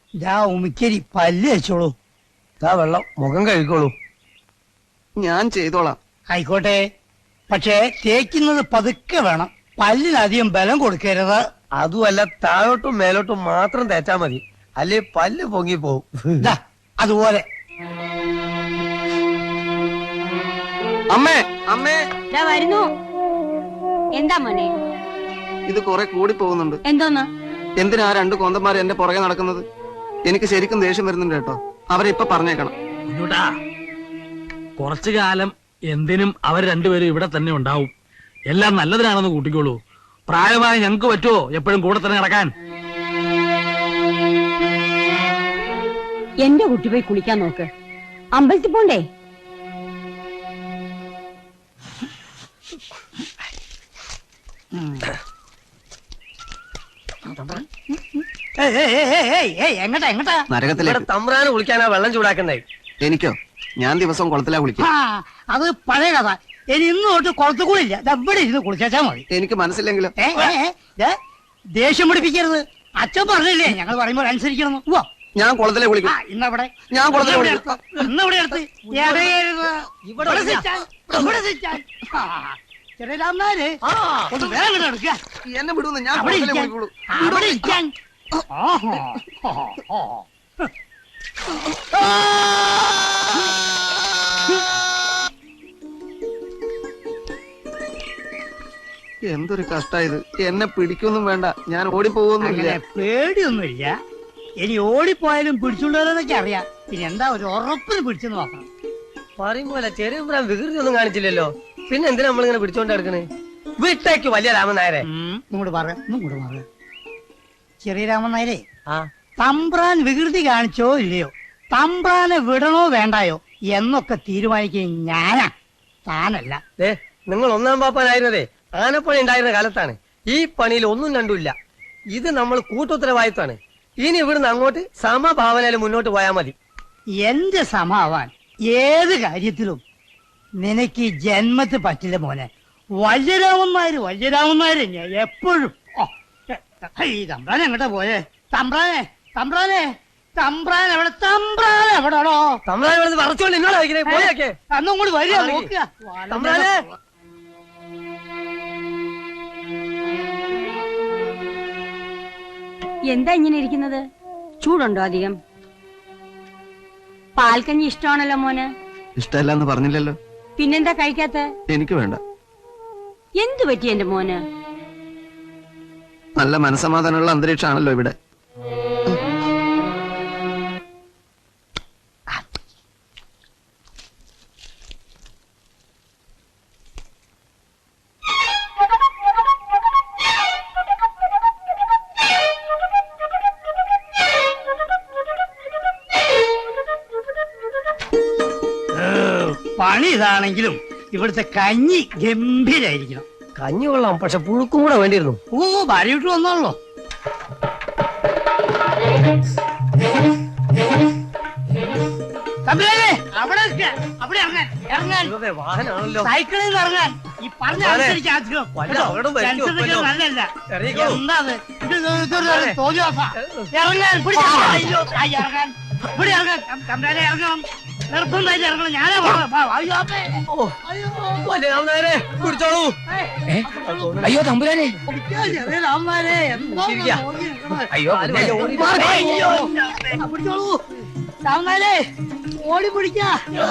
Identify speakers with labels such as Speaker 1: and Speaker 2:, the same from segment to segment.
Speaker 1: ഇതാ ഉമിക്കരി പല്ല് വെച്ചോളൂ.
Speaker 2: ഇതാ വെള്ളം, മുഖം കഴുകോളൂ.
Speaker 3: ഞാൻ ചെയ്തോളാം.
Speaker 1: ആയിക്കോട്ടെ, പക്ഷേ തേക്കുന്നത് പതുക്കെ വേണം. പല്ലിനധികം ബലം കൊടുക്കരുത്.
Speaker 2: അതുമല്ല, താഴോട്ടും മേലോട്ടും മാത്രം തേച്ചാ മതി, അല്ലേ പല്ല് പൊങ്ങി പോവും.
Speaker 1: ദാ, അതുപോലെ.
Speaker 3: അമ്മേ അമ്മേ,
Speaker 4: വരുന്നു. എന്താ മോനെ?
Speaker 3: ഇത് കുറെ കൂടി പോകുന്നുണ്ട്.
Speaker 4: എന്തോന്ന്?
Speaker 3: എന്തിനാ രണ്ട് കോന്തന്മാർ എന്റെ പുറകെ നടക്കുന്നത്? എനിക്ക് ശരിക്കും ദേഷ്യം വരുന്നുണ്ട് കേട്ടോ. അവരെ ഇപ്പൊ പറഞ്ഞേക്കണം.
Speaker 5: കുറച്ചു കാലം എന്തിനും അവർ രണ്ടുപേരും ഇവിടെ തന്നെ ഉണ്ടാവും. എല്ലാം നല്ലതിനാണെന്ന് കൂട്ടിക്കോളൂ. പ്രായമായി ഞങ്ങൾക്ക് പറ്റുമോ എപ്പോഴും കൂടെ തന്നെ നടക്കാൻ?
Speaker 4: എന്റെ കുട്ടി പോയി കുളിക്കാൻ നോക്ക്. അമ്പലത്തിൽ പോണ്ടേ?
Speaker 1: എങ്ങട്ടാ എങ്ങട്ടാ?
Speaker 3: നരകത്തിലേക്ക്.
Speaker 2: തമ്പ്രാന് കുളിക്കാനാ വെള്ളം ചൂടാക്കണ്ടേ?
Speaker 3: എനിക്കോ? ഞാൻ ദിവസവും കുളത്തിലാ കുളിക്കും.
Speaker 1: അത് പഴയ കഥ. ഇനി ഇന്ന് തൊട്ട് കുളത്ത് കൂടില്ല. ഇവിടെ ഇരുന്ന് കുളിച്ചാ മതി.
Speaker 3: എനിക്ക് മനസ്സിലെങ്കിലും.
Speaker 1: ദേഷ്യം പിടിപ്പിക്കരുത്. അച്ഛൻ പറഞ്ഞില്ലേ ഞങ്ങൾ പറയുമ്പോൾ അനുസരിക്കണം.
Speaker 3: ഞാൻ കുളത്തിലെ കുളിക്കും.
Speaker 1: ഇന്നവിടെ
Speaker 3: ഞാൻ കുളത്തിലെ കുളിക്കും.
Speaker 1: ഇന്നിവിടെ എടുത്ത് ചെറിയ രാമനാര് ഒന്ന് വേഗം എടുക്കുക.
Speaker 3: എന്നെ വിടുന്നു. ഞാൻ
Speaker 1: അവിടെ
Speaker 3: കുളത്തിലെ
Speaker 1: ഇരിക്കാൻ.
Speaker 3: കുളിക്കുള്ളൂ.
Speaker 1: അവിടെ ഇരിക്കാൻ.
Speaker 3: എന്തൊരു കഷ്ടായത്. എന്നെ പിടിക്കൊന്നും വേണ്ട, ഞാൻ ഓടിപ്പോകൊന്നുമില്ല.
Speaker 1: പേടിയൊന്നുമില്ല. ഇനി ഓടിപ്പോയാലും പിടിച്ചുകൊണ്ടുവരാനൊക്കെ അറിയാം. പിന്നെ എന്താ ഒരു ഉറപ്പിന് പിടിച്ചെന്ന് നോക്കണം.
Speaker 2: പറയുമ്പോലെ ചെറിയ വികൃതി ഒന്നും കാണിച്ചില്ലല്ലോ. പിന്നെ എന്തിനാ നമ്മളിങ്ങനെ പിടിച്ചോണ്ട് നടക്കണേ? വീട്ടേക്ക് വലിയ രാമനായരെ
Speaker 1: ഇങ്ങോട്ട് പറയാം. ചെറിയ രാമൻ നായരെ,
Speaker 2: ആ
Speaker 1: തമ്പ്രാൻ വികൃതി കാണിച്ചോ ഇല്ലയോ, തമ്പ്രാനെ വിടണോ വേണ്ടായോ എന്നൊക്കെ തീരുമാനിക്കുകയും ഞാനാ, താനല്ല.
Speaker 2: നിങ്ങൾ ഒന്നാം പാപ്പാനായിരുന്നതേ ആനപ്പണി ഉണ്ടായിരുന്ന കാലത്താണ്. ഈ പണിയിൽ ഒന്നും രണ്ടുമില്ല. ഇത് നമ്മൾ കൂട്ടുത്തരവാദിത്വമാണ്. ഇനി ഇവിടുന്ന് അങ്ങോട്ട് സമഭാവനയിൽ മുന്നോട്ട് പോയാൽ മതി.
Speaker 1: എന്റെ സമാവാൻ ഏത് കാര്യത്തിലും നിനക്ക് ഈ ജന്മത്ത് പറ്റില്ല മോനെ. വല്യരാമന്മാര് ഞാൻ എപ്പോഴും. ഈ തമ്പ്രാൻ എങ്ങോട്ടാ പോയേ? തമ്പ്രാനെ എവിടെടോ?
Speaker 2: തമ്പ്രാൻ ഇവിടെ പറച്ചോണ്ട് നിന്നോട് പോയൊക്കെ
Speaker 1: അന്നും കൂടി വരിക നോക്കുക.
Speaker 2: തമ്പ്രാനെ
Speaker 4: എന്താ ഇങ്ങനെ ഇരിക്കുന്നത്? ചൂടുണ്ടോ അധികം? പാൽക്കഞ്ഞി ഇഷ്ടമാണല്ലോ മോന്.
Speaker 3: ഇഷ്ടമല്ലെന്ന് പറഞ്ഞില്ലല്ലോ.
Speaker 4: പിന്നെന്താ കഴിക്കാത്ത?
Speaker 3: എനിക്ക് വേണ്ട.
Speaker 4: എന്തു പറ്റി എന്റെ മോന്?
Speaker 3: നല്ല മനസ്സമാധാനമുള്ള അന്തരീക്ഷമാണല്ലോ ഇവിടെ.
Speaker 1: പണി ഇതാണെങ്കിലും ഇവിടുത്തെ കഞ്ഞി ഗംഭീരായിരിക്കണം.
Speaker 2: കഞ്ഞി കൊള്ളാം, പക്ഷെ പുഴുക്കും കൂടെ വേണ്ടിയിരുന്നു.
Speaker 1: ഭാര്യ വിട്ടു വന്നോളൂ.
Speaker 2: വാഹനാണല്ലോ.
Speaker 1: സൈക്കിളിൽ നിന്ന് ഇറങ്ങാൻ ഈ പറഞ്ഞ അനുസരിച്ച് ആദ്യം നല്ലല്ല. എന്താ ഇറങ്ങാൻ ഇവിടെ ഇറങ്ങാൻ തമ്പ്രാനെ ഇറങ്ങണം. നിർബന്ധമായിട്ട് ഇറങ്ങണം. ഞാനേ
Speaker 2: കുടിച്ചോളൂ.
Speaker 6: അയ്യോ തമ്പുരാനെ,
Speaker 1: രാമന്മാരെ
Speaker 6: അയ്യോ
Speaker 1: പിടിച്ചോളൂ. രാമന്മാരെ ഓടി പിടിക്കാ.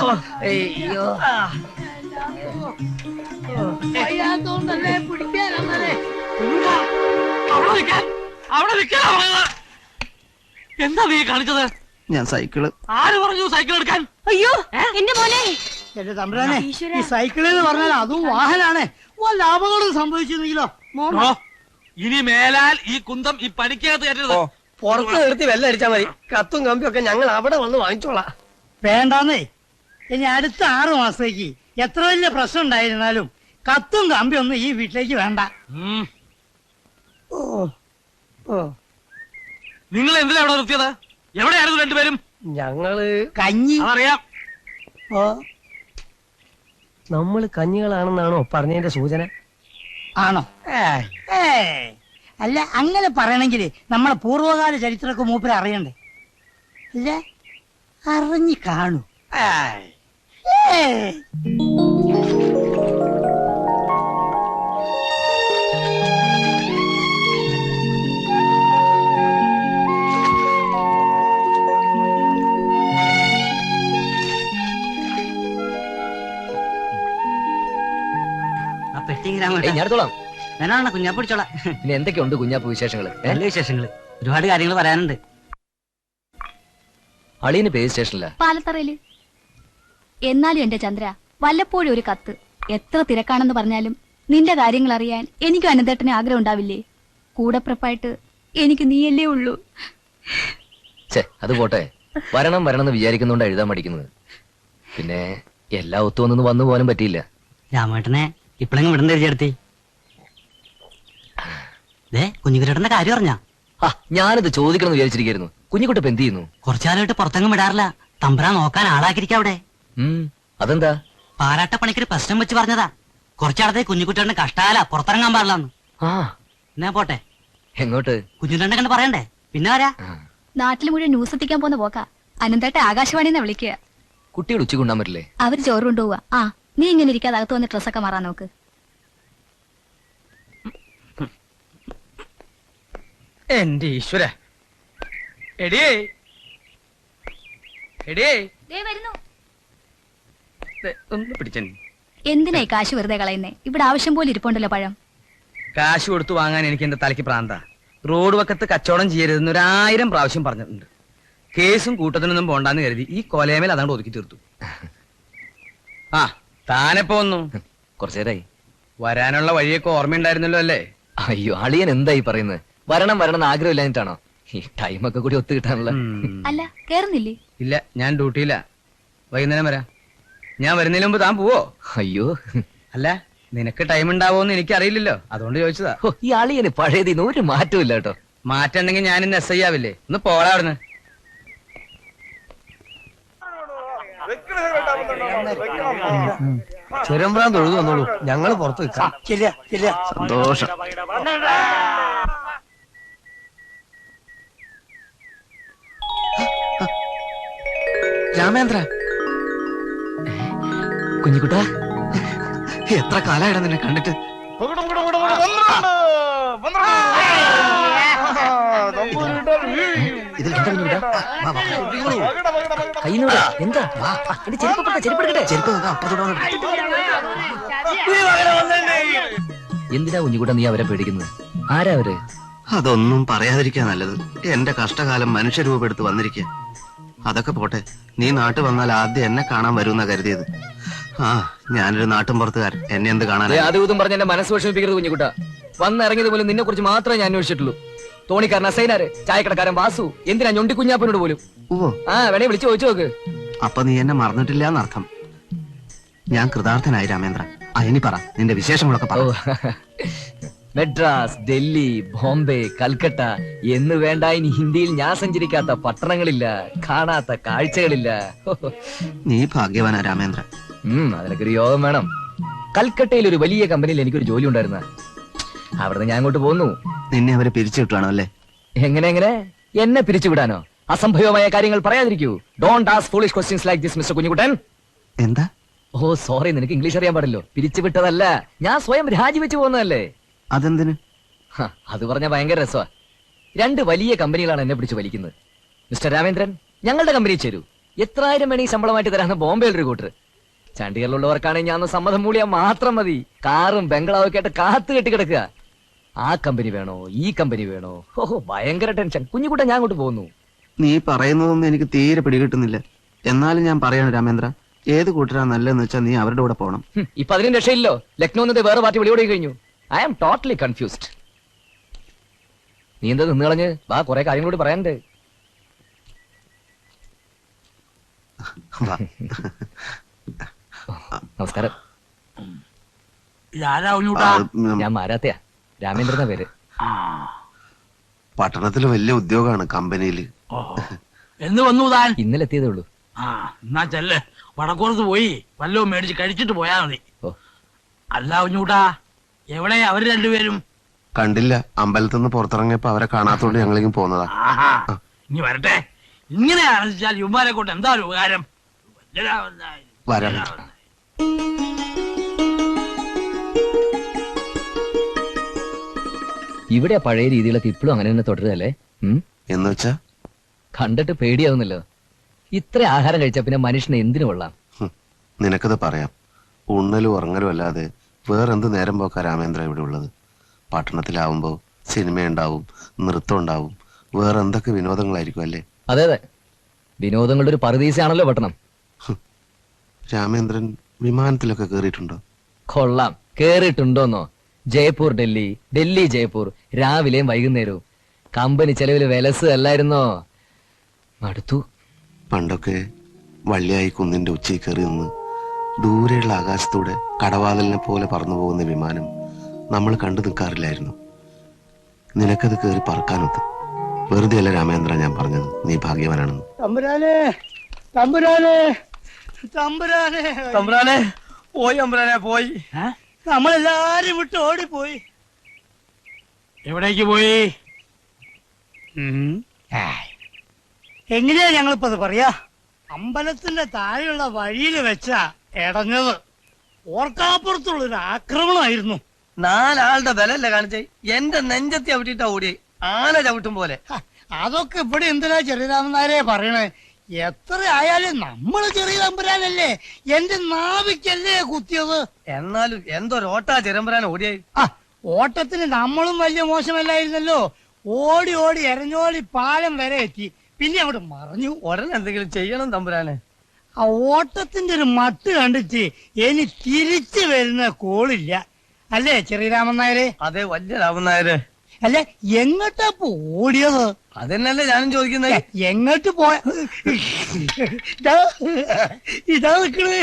Speaker 1: അയ്യാത്തോണ്ടല്ലേ പിടിക്കാൻ.
Speaker 5: എന്താ നീ കാണിച്ചത്?
Speaker 3: ഞാൻ സൈക്കിള്.
Speaker 5: ആര് പറഞ്ഞു സൈക്കിൾ എടുക്കാൻ?
Speaker 4: അയ്യോ എന്റെ മോനെ.
Speaker 1: എന്റെ തമ്പുരാനെ, ഈ സൈക്കിള് എന്ന് പറഞ്ഞാൽ അതും വാഹനാണ്. വല്ല അപകടം സംഭവിച്ചിരുന്നെങ്കിലോ?
Speaker 5: ഇനി മേലാൽ ഈ കുന്തം ഈ പണിക്കകത്ത് കയറ്റരുത്.
Speaker 2: പുറത്ത് നിർത്തി വെള്ളം അടിച്ചാൽ മതി. കത്തും കമ്പിയും ഒക്കെ ഞങ്ങൾ അവിടെ വന്ന് വാങ്ങിച്ചോളാം.
Speaker 1: വേണ്ടാന്നേ. ഇനി അടുത്ത 6 മാസത്തേക്ക് എത്ര വലിയ പ്രശ്നം ഉണ്ടായിരുന്നാലും കത്തും കമ്പിയൊന്നും ഈ വീട്ടിലേക്ക് വേണ്ട.
Speaker 5: നിങ്ങൾ എന്തിനാ അവിടെ നിർത്തിയത്? എവിടെയായിരുന്നു രണ്ടുപേരും?
Speaker 2: ഞങ്ങള്
Speaker 1: കഞ്ഞി.
Speaker 5: അതറിയാം.
Speaker 2: നമ്മള് കഞ്ഞികളാണെന്നാണോ പറഞ്ഞതിന്റെ സൂചന?
Speaker 1: ആണോ? അല്ല, അങ്ങനെ പറയണമെങ്കിൽ നമ്മളെ പൂർവ്വകാല ചരിത്രമൊക്കെ മൂപ്പര് അറിയണ്ടേ. അല്ല അറിഞ്ഞു കാണൂ. ഏയ്.
Speaker 6: ഞാൻ എടുത്തോളാം.
Speaker 7: ഞാനാണ് കുഞ്ഞാ പിടിച്ചോളാം.
Speaker 6: പിന്നെ എന്തൊക്കെയുണ്ട് കുഞ്ഞാപ്പ് വിശേഷങ്ങള്?
Speaker 7: നല്ല വിശേഷങ്ങള്, ഒരുപാട് കാര്യങ്ങൾ പറയാനുണ്ട്.
Speaker 6: അളിയന് പേര് സ്റ്റേഷനില്ല.
Speaker 8: പാലത്തറയില്. എന്നാലും എന്റെ ചന്ദ്ര, വല്ലപ്പോഴും ഒരു കത്ത്. എത്ര തിരക്കാണെന്ന് പറഞ്ഞാലും നിന്റെ കാര്യങ്ങൾ അറിയാൻ എനിക്കും അനന്തേട്ടന് ആഗ്രഹം ഉണ്ടാവില്ലേ? കൂടപ്പിറപ്പായിട്ട് എനിക്ക് നീയല്ലേ ഉള്ളൂ.
Speaker 6: ഛേ, അത് പോട്ടെ. വരണം വരണം എന്ന് വിചാരിക്കുന്നോണ്ട് എഴുതാൻ പഠിക്കുന്നത്. പിന്നെ എല്ലാ ഒത്തുവന്നൊന്നും വന്നു പോകാനും പറ്റിയില്ല.
Speaker 7: രാമേട്ടനെ ഇപ്പഴെങ്കിലും വിടണ്ട ചേർത്തി. കുഞ്ഞുകുട്ടേട്ടന്റെ കാര്യം അറിഞ്ഞാ?
Speaker 6: ആ, ഞാനത് ചോദിക്കണം എന്ന് വിചാരിച്ചിരിക്കുന്നു. കുഞ്ഞുകുട്ടപ്പ് എന്ത് ചെയ്യുന്നു?
Speaker 7: കുറച്ചാലായിട്ട് പുറത്തെങ്ങും വിടാറില്ല. തമ്പുരാൻ നോക്കാൻ ആളാക്കിരിക്കാം അവിടെ.
Speaker 6: അതെന്താ?
Speaker 7: പാരാട്ട പണിക്കൊരു പ്രശ്നം വെച്ച് പറഞ്ഞതാ. കുറച്ചാളത്തെ കുഞ്ഞുകുട്ടേട്ടന് കഷ്ടാല പുറത്തിറങ്ങാൻ പാടില്ലെന്ന്.
Speaker 6: ആ,
Speaker 7: എന്നാ പോട്ടെ.
Speaker 6: എങ്ങോട്ട്?
Speaker 7: കുഞ്ഞുകുട്ടേട്ടനെ കണ്ട് പറയണ്ടേ? പിന്നെ ആരാ?
Speaker 8: നാട്ടിൽ മുഴുവൻ ന്യൂസ് എത്തിക്കാൻ പോന്ന പോക്കാ. അനന്തേട്ട ആകാശവാണിന്ന് വിളിക്കുക.
Speaker 6: കുട്ടികൾ ഉച്ചയ്ക്ക് കൊണ്ടാൻ പറ്റില്ലേ?
Speaker 8: അവര് ചോറ് കൊണ്ടുപോവാ. ആ, നീ ഇങ്ങനെ ഇരിക്കാതെ അകത്ത് വന്ന് ഡ്രസ്സൊക്കെ മാറാൻ നോക്ക്.
Speaker 2: എന്റെ ഈശ്വര. എടിയേ എടിയേ, ഒന്ന് പിടിച്ചേ.
Speaker 8: എന്തിനായി കാശ് വെറുതെ കളയുന്നേ? ഇവിടെ ആവശ്യം പോലെ ഇരിപ്പുണ്ടല്ലോ പഴം.
Speaker 2: കാശ് കൊടുത്തു വാങ്ങാൻ എനിക്ക് എന്റെ തലയ്ക്ക് പ്രാന്ത. റോഡ് വക്കത്ത് കച്ചവടം ചെയ്യരുതെന്ന് 1000 പ്രാവശ്യം പറഞ്ഞിട്ടുണ്ട്. കേസും കൂട്ടത്തിനൊന്നും പോണ്ടാന്ന് കരുതി ഈ കൊലയമേൽ അതാണ്ട് ഒതുക്കി തീർത്തു. ആ, താനെപ്പോ വന്നു?
Speaker 6: കുറച്ചേരായി.
Speaker 2: വരാനുള്ള വഴിയൊക്കെ ഓർമ്മയുണ്ടായിരുന്നല്ലോ അല്ലേ?
Speaker 6: അയ്യോ, അളിയൻ എന്തായി പറയുന്നത്? വരണം വരണം എന്ന് ആഗ്രഹമില്ലാഞ്ഞിട്ടാണോ? ഈ ടൈമൊക്കെ കൂടി ഒത്തു കിട്ടാനുള്ള.
Speaker 8: അല്ല, കേറുന്നില്ലേ?
Speaker 2: ഇല്ല, ഞാൻ ഡ്യൂട്ടിയില്ല. വൈകുന്നേരം വരാം. ഞാൻ വരുന്നതിന് മുമ്പ് താൻ പോവോ?
Speaker 6: അയ്യോ,
Speaker 2: അല്ല, നിനക്ക് ടൈം ഉണ്ടാവോന്ന് എനിക്കറിയില്ലല്ലോ, അതുകൊണ്ട് ചോദിച്ചതാ.
Speaker 6: ഈ അളിയന് പഴയതിന് ഒരു മാറ്റവും ഇല്ല കേട്ടോ.
Speaker 2: മാറ്റുണ്ടെങ്കിൽ ഞാൻ ഇന്ന് SI ആവില്ലേ? ഒന്ന് പോടാ അവിടുന്ന്.
Speaker 3: ചെറുമ്പ്രാൻ തൊഴുതു വന്നോളൂ, ഞങ്ങള് പുറത്ത് വെക്കാം. സന്തോഷം. രാമേന്ദ്ര,
Speaker 6: കുഞ്ഞിക്കുട്ടാ,
Speaker 3: എത്ര കാലായിട നിന്നെ കണ്ടിട്ട്.
Speaker 6: ഇതിൽ എന്താ കുഞ്ഞിക്കുട്ടാ? കയ്യിലൂടെ എന്താ? എന്റെ ചെരുപ്പെടുക്കട്ടെ. ചെരുപ്പ് എന്തിനാ കുഞ്ഞിക്കുട്ടാ നീ അവരെ പേടിക്കുന്നത്? ആരാ അവര്?
Speaker 3: അതൊന്നും പറയാതിരിക്കാ നല്ലത്. എന്റെ കഷ്ടകാലം മനുഷ്യരൂപെടുത്ത് വന്നിരിക്കുക. അതൊക്കെ പോട്ടെ, നീ നാട്ടിൽ വന്നാൽ ആദ്യം എന്നെ കാണാൻ വരുമെന്നാ കരുതിയത്. ആ, ഞാനൊരു നാട്ടും പുറത്തുകാരൻ, എന്നെ എന്ത് കാണാൻ?
Speaker 6: അതും പറഞ്ഞ എന്റെ മനസ്സ് വിഷമിപ്പിക്കരുത് കുഞ്ഞിക്കുട്ടാ. വന്നിറങ്ങിയത് പോലും നിന്നെ കുറിച്ച് മാത്രമേ ഞാൻ അന്വേഷിച്ചിട്ടുള്ളൂ. തോണിക്കാരൻ അസൈനാര്, ചായക്കടക്കാരൻ വാസു, എന്തിനാ ഞൊണ്ടി കുഞ്ഞാപ്പനോട് പോലും.
Speaker 3: ഓ,
Speaker 6: ആ, വേണേ വിളിച്ചു ചോദിച്ചു നോക്ക്.
Speaker 3: അപ്പൊ നീ എന്നെ മറന്നിട്ടില്ല എന്നർത്ഥം. ഞാൻ കൃതാർത്ഥനായി രാമേന്ദ്ര. ഇനി പറ, നിന്റെ വിശേഷങ്ങളൊക്കെ പറ.
Speaker 6: മെഡ്രാസ്, ഡൽഹി, ബോംബെ, കൽക്കട്ട എന്ന് വേണ്ട ഇനി ഹിന്ദിയിൽ ഞാൻ സഞ്ചരിക്കാത്ത പട്ടണങ്ങളില്ല, കാണാത്ത കാഴ്ചകളില്ല.
Speaker 3: നീ ഭാഗ്യവാനാ രാമേന്ദ്ര.
Speaker 6: അതിനൊക്കെ ഒരു യോഗം വേണം. കൽക്കട്ടയിൽ ഒരു വലിയ കമ്പനിയിൽ എനിക്കൊരു ജോലി ഉണ്ടായിരുന്ന. അവിടുന്ന് ഞാൻ അങ്ങോട്ട് പോന്നു.
Speaker 3: നിന്നെ അവരെ പിരിച്ചു വിട്ടാണോ അല്ലേ?
Speaker 6: എങ്ങനെ എന്നെ പിരിച്ചുവിടാനോ? അസംഭവമായ കാര്യങ്ങൾ പറയാതിരിക്കൂ. Don't ask foolish questions like this mister Kunjukuttan.
Speaker 3: എന്താ?
Speaker 6: ഓ സോറി, നിനക്ക് ഇംഗ്ലീഷ് അറിയാൻ പാടില്ലോ. പിരിച്ചുവിട്ടതല്ല, ഞാൻ സ്വയം രാജിവെച്ചു പോകുന്നതല്ലേ.
Speaker 3: അതെന്തിന്?
Speaker 6: അത് പറഞ്ഞ ഭയങ്കര രസമാ. 2 വലിയ കമ്പനികളാണ് എന്നെ പിടിച്ച് വലിക്കുന്നത്. മിസ്റ്റർ രാമേന്ദ്രൻ, ഞങ്ങളുടെ കമ്പനിയിൽ ചേരൂ. എത്രായിരം വേണേ ശമ്പളമായിട്ട് തരാന്ന് ബോംബെയിൽ ഒരു കൂട്ടർ. ചണ്ഡീഗറിലുള്ളവർക്കാണെങ്കിൽ ഞാൻ സമ്മതം മൂളിയാൽ മാത്രം മതി. കാറും ബംഗ്ലാവും ഒക്കെ ആയിട്ട് കാത്തു കെട്ടി കിടക്കുക. ആ കമ്പനി വേണോ ഈ കമ്പനി വേണോ? ഓഹോ, ഭയങ്കര ടെൻഷൻ. കുഞ്ഞുകുട്ട, ഞാൻ അങ്ങോട്ട് പോകുന്നു.
Speaker 3: നീ പറയുന്നതൊന്നും എനിക്ക് തീരെ പിടികിട്ടുന്നില്ല. എന്നാലും ഞാൻ പറയാണ് രാമേന്ദ്ര, ഏത് കൂട്ടരാ നല്ലതെന്ന് വെച്ചാൽ നീ അവരുടെ കൂടെ പോകണം.
Speaker 6: ഇപ്പൊ അതിനും രക്ഷയില്ലോ. ലക്നോ എന്നത് വേറെ പാർട്ടി വിളിയോടെ കഴിഞ്ഞു. I am totally confused. നീ എന്താ നിന്ന് കളഞ്ഞ്? വാ, കുറെ കാര്യങ്ങളോട് പറയാനുണ്ട്. നമസ്കാരം. ഞാൻ മാരാത്തയാ. രാമേന്ദ്രന പേര്.
Speaker 3: പട്ടണത്തിൽ വലിയ ഉദ്യോഗമാണ് കമ്പനിയിൽ.
Speaker 5: എന്ന് വന്നു താൻ?
Speaker 6: ഇന്നലെ എത്തിയതേ ഉള്ളൂ.
Speaker 5: എന്നാ ചെല്ല്, വടക്കോർത്ത് പോയി വല്ലതും മേടിച്ച് കഴിച്ചിട്ട് പോയാ മതി. അല്ല കുഞ്ഞൂട്ടാ, എവിടെ അവര് രണ്ടുപേരും?
Speaker 3: കണ്ടില്ല, അമ്പലത്തിൽ നിന്ന് പുറത്തിറങ്ങിയപ്പോ അവരെ കാണാത്തോണ്ട് ഞങ്ങളിങ്ങനെ പോന്നതാ.
Speaker 5: ഇനി വരട്ടെ, ഇങ്ങനെയാണെന്ന് യുമാരെ കൊണ്ട് എന്താ ഒരു ഉപകാരം?
Speaker 3: വരാം.
Speaker 6: ഇവിടെ ആ പഴയ രീതികളൊക്കെ ഇപ്പോഴും അങ്ങനെ തന്നെ തുടരുകയല്ലേ?
Speaker 3: എന്ന് വെച്ചാ
Speaker 6: കണ്ടിട്ട് പേടിയാവുന്നല്ലോ. ഇത്ര ആഹാരം കഴിച്ചാ പിന്നെ മനുഷ്യന് എന്തിനു കൊള്ളാം?
Speaker 3: നിനക്കത് പറയാം. ഉണ്ണലും ഉറങ്ങലും അല്ലാതെ വേറെന്ത് നേരം പോക്കാ രാമേന്ദ്ര ഇവിടെ ഉള്ളത്? പട്ടണത്തിലാവുമ്പോ സിനിമയുണ്ടാവും, നൃത്തം ഉണ്ടാവും, വേറെ എന്തൊക്കെ വിനോദങ്ങളായിരിക്കും അല്ലേ?
Speaker 6: അതെ അതെ, വിനോദങ്ങളുടെ ഒരു പറുദീസയാണല്ലോ പട്ടണം.
Speaker 3: രാമേന്ദ്രൻ വിമാനത്തിലൊക്കെ കേറിയിട്ടുണ്ടോ?
Speaker 6: കൊള്ളാം. കേറിയിട്ടുണ്ടോന്നോ? ജയ്പൂർ ഡൽഹി, ഡൽഹി ജയ്പൂർ, രാവിലെയും വൈകുന്നേരവും. കമ്പനി ചെലവില് വിലസ് അല്ലായിരുന്നോ? മടുത്തു.
Speaker 3: പണ്ടൊക്കെ വള്ളിയായി കുന്നിന്റെ ഉച്ചയിൽ കയറി നിന്ന് ദൂരെയുള്ള ആകാശത്തൂടെ കടവാതിലിനെ പോലെ പറന്നു പോകുന്ന വിമാനം നമ്മൾ കണ്ടു നിൽക്കാറില്ലായിരുന്നു. നിനക്കത് കയറി പറക്കാനൊത്ത്. വെറുതെ അല്ല രാമേന്ദ്ര ഞാൻ പറഞ്ഞത്, നീ ഭാഗ്യവാനാണെന്ന്.
Speaker 1: തമ്പുരാനെ, തമ്പുരാനെ, തമ്പുരാനെ,
Speaker 2: തമ്പ്രാനെ പോയി, അമ്പ്രാനെ പോയി.
Speaker 1: നമ്മളെല്ലാരും വിട്ട് ഓടിപ്പോയി.
Speaker 5: എവിടേക്ക് പോയി?
Speaker 1: എങ്ങനെയാ ഞങ്ങളിപ്പോ അത് പറയാ? അമ്പലത്തിന്റെ താഴെയുള്ള വഴിയിൽ വെച്ചാ ഇടഞ്ഞത്. ഓർക്കാപ്പുറത്തുള്ളൊരു ആക്രമണമായിരുന്നു.
Speaker 2: 4 ആളുടെ ബലല്ലേ കാണിച്ചേ? എന്റെ നെഞ്ചത്തി അവിട്ടിട്ടാ ഓടിയേ, ആന ചവിട്ടും പോലെ.
Speaker 1: അതൊക്കെ ഇവിടെ എന്തിനാ ചെറിയരാമനാരെ പറയണേ? എത്ര ആയാലും നമ്മള് ചെറിയ തമ്പുരാനല്ലേ, എന്റെ നാവിക്കല്ലേ കുത്തിയത്.
Speaker 2: എന്നാലും എന്തൊരോട്ടാ ചെറുമ്പരാൻ ഓടിയേ.
Speaker 1: ഓട്ടത്തിന് നമ്മളും വലിയ മോശമല്ലായിരുന്നല്ലോ. ഓടി ഓടി എരഞ്ഞോളി പാലം വരെ എത്തി, പിന്നെ അവിടെ മറഞ്ഞു.
Speaker 2: ഉടനെ എന്തെങ്കിലും ചെയ്യണം തമ്പുരാനെ.
Speaker 1: ആ ഓട്ടത്തിന്റെ ഒരു മട്ട് കണ്ടിട്ട് ഇനി തിരിച്ചു വരുന്ന കോളില്ല, അല്ലേ ചെറിയരാമൻ നായരെ?
Speaker 2: അതെ, വലിയ രാമൻ നായര്.
Speaker 1: അല്ലെ, എങ്ങോട്ടാ ഓടിയത്?
Speaker 2: അതെന്നല്ലേ ഞാനും ചോദിക്കുന്നത്.
Speaker 1: എങ്ങോട്ട് പോയ? ഇതാ നിക്കണേ.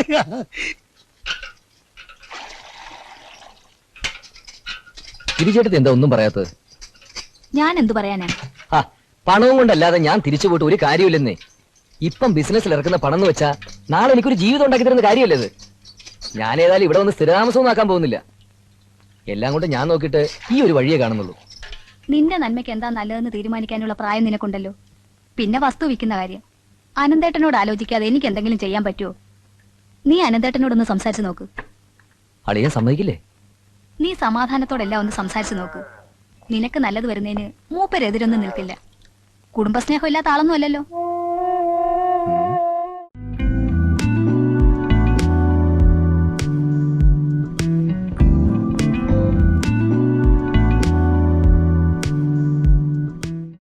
Speaker 6: തിരിച്ചെടുത്ത് എന്താ ഒന്നും പറയാത്തത്?
Speaker 8: ഞാൻ എന്തു പറയാനാ?
Speaker 6: ആ, പണവും കൊണ്ടല്ലാതെ ഞാൻ തിരിച്ചു പോയിട്ട് ഒരു കാര്യമില്ലെന്നേ. ഇപ്പം ബിസിനസ്സിൽ ഇറക്കുന്ന പണം എന്ന് വെച്ചാ നാളെ എനിക്കൊരു ജീവിതം ഉണ്ടാക്കി തരുന്ന കാര്യമല്ലേ ഇത്? ഞാൻ ഏതായാലും ഇവിടെ വന്ന് സ്ഥിരതാമസവും ആക്കാൻ പോകുന്നില്ല. എല്ലാം കൊണ്ട് ഞാൻ നോക്കിയിട്ട് ഈ ഒരു വഴിയേ കാണുന്നുള്ളൂ.
Speaker 8: നിന്റെ നന്മയ്ക്ക് എന്താ നല്ലതെന്ന് തീരുമാനിക്കാനുള്ള പ്രായം നിനക്കുണ്ടല്ലോ. പിന്നെ വസ്തു വിൽക്കുന്ന കാര്യം അനന്തേട്ടനോട് ആലോചിക്കാതെ എനിക്ക് എന്തെങ്കിലും ചെയ്യാൻ പറ്റുമോ? നീ അനന്തേട്ടനോടൊന്ന് സംസാരിച്ചു നോക്ക്.
Speaker 6: അളിയാൻ സമ്മതിക്കില്ലേ?
Speaker 8: നീ സമാധാനത്തോടെല്ലാം ഒന്ന് സംസാരിച്ചു നോക്ക്. നിനക്ക് നല്ലത് വരുന്നതിന് മൂപ്പരെതിരൊന്നും നിൽക്കില്ല. കുടുംബസ്നേഹം ഇല്ലാത്ത ആളൊന്നും അല്ലല്ലോ.